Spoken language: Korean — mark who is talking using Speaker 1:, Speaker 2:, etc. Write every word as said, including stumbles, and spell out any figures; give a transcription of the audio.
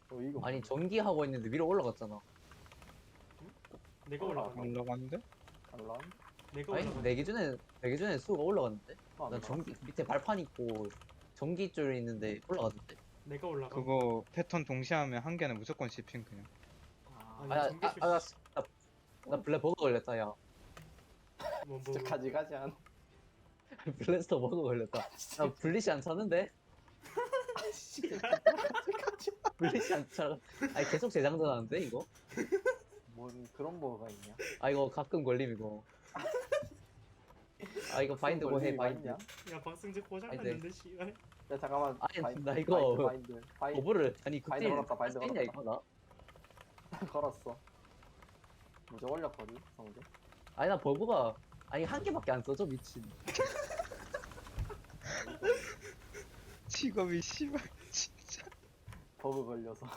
Speaker 1: 어 이거
Speaker 2: 아니 전기하고 있는데 위로 올라갔잖아.
Speaker 3: 내가
Speaker 1: 올라가.
Speaker 3: 올라가.
Speaker 4: 올라갔는데?
Speaker 1: 달라?
Speaker 3: 내가
Speaker 2: 아니
Speaker 3: 올라가.
Speaker 2: 내 기준에 내 기준에 수가 올라갔는데.
Speaker 1: 어, 안
Speaker 2: 난
Speaker 1: 올라갔어.
Speaker 2: 전기 밑에 발판 있고 전기줄 있는데 올라갔는데.
Speaker 3: 내가 올라가.
Speaker 4: 그거 패턴 동시에 하면 한 개는 무조건 씹힌 그냥.
Speaker 1: 아,
Speaker 3: 아니,
Speaker 2: 아나
Speaker 3: 전기
Speaker 2: 아, 아, 나, 나, 나 블랙 버거 걸렸다 야.
Speaker 3: 뭐, 뭐,
Speaker 1: 진짜 가지가지 한.
Speaker 2: 블래스터 버거 걸렸다. 나 블리시 안 차는데? 블리시 안 차. 아니 계속 재장전하는데 이거?
Speaker 1: 뭔 그런 뭐가 있냐?
Speaker 2: 아 이거 가끔 걸림 이거. 아 이거 바인드 뭐 해 바인드.
Speaker 1: 있냐?
Speaker 3: 야, 박승재
Speaker 2: 아니,
Speaker 3: 고장났는데, 씨발.
Speaker 1: 야 잠깐만.
Speaker 2: 아니,
Speaker 1: 바인드,
Speaker 2: 나 이거
Speaker 1: 바인드 바인드 바인드
Speaker 2: 버블을 아니
Speaker 1: 바인드
Speaker 2: 그때
Speaker 1: 걸었다, 바인드
Speaker 2: 했냐
Speaker 1: 걸었다.
Speaker 2: 이거 나?
Speaker 1: 걸었어. 뭐지 올렸거든 성대.
Speaker 2: 아니 나 버그가 아니 한 개밖에 안 써져 미친.
Speaker 4: 직업이 씨발 진짜.
Speaker 1: 버그 걸려서.